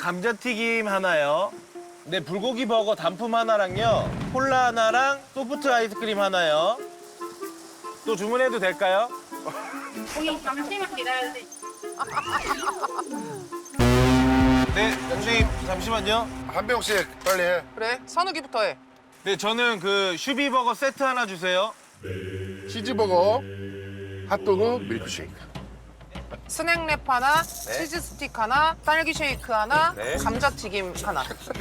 감자튀김 하나요. 네, 불고기 버거 단품 하나랑요. 콜라 하나랑 소프트 아이스크림 하나요. 또 주문해도 될까요? 고객님 잠시만 기다려주세요. 네, 선생님 잠시만요. 한 병씩 빨리 해. 그래, 선우기부터 해. 네, 저는 그 슈비버거 세트 하나 주세요. 치즈버거, 핫도그, 밀크쉐이크. 스낵랩 하나, 치즈 스틱 하나, 딸기 쉐이크 하나, 감자튀김 하나.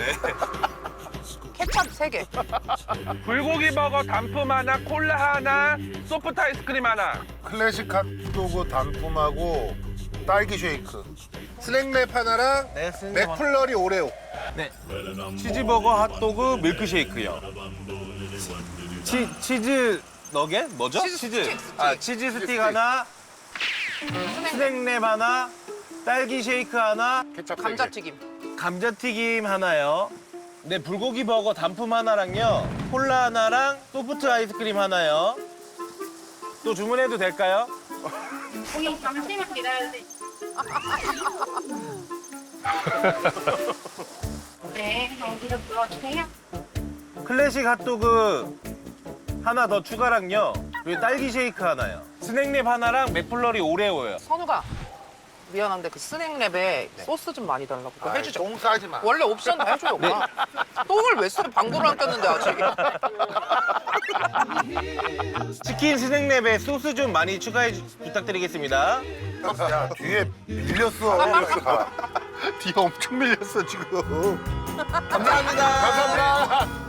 케찹 3개. 불고기 버거 단품 하나, 콜라 하나, 소프트 아이스크림 하나. 클래식 핫도그 단품하고 딸기 쉐이크. 스낵랩 하나랑 네, 스낵 맥플러리 오레오. 네. 치즈버거, 핫도그, 밀크쉐이크요. 치즈 너겟? 뭐죠? 치즈 스틱. 아, 치즈 스틱 하나, 스낵랩 하나, 딸기 쉐이크 하나, 케찹 감자튀김. 감자튀김 하나요. 네, 불고기 버거 단품 하나랑요. 콜라 하나랑 소프트 아이스크림 하나요. 또 주문해도 될까요? 고객님 잠시만 기다려주세요. 네, 경기를 불러주세요. 클래식 핫도그 하나 더 추가랑요. 그리고 딸기 쉐이크 하나요. 스낵랩 하나랑 맥플러리 오레오요. 선우가 미안한데 그 스낵랩에 소스 좀 많이 달라고 그거 해주죠. 똥 싸지 마. 원래 옵션 다 해줘요. 오빠. 똥을 왜 써? 방구를 안 꼈는데 아직. 치킨 스낵랩에 소스 좀 많이 추가해 부탁드리겠습니다. 야, 뒤에 밀렸어. 뒤에 엄청 밀렸어, 지금. 감사합니다. 감사합니다.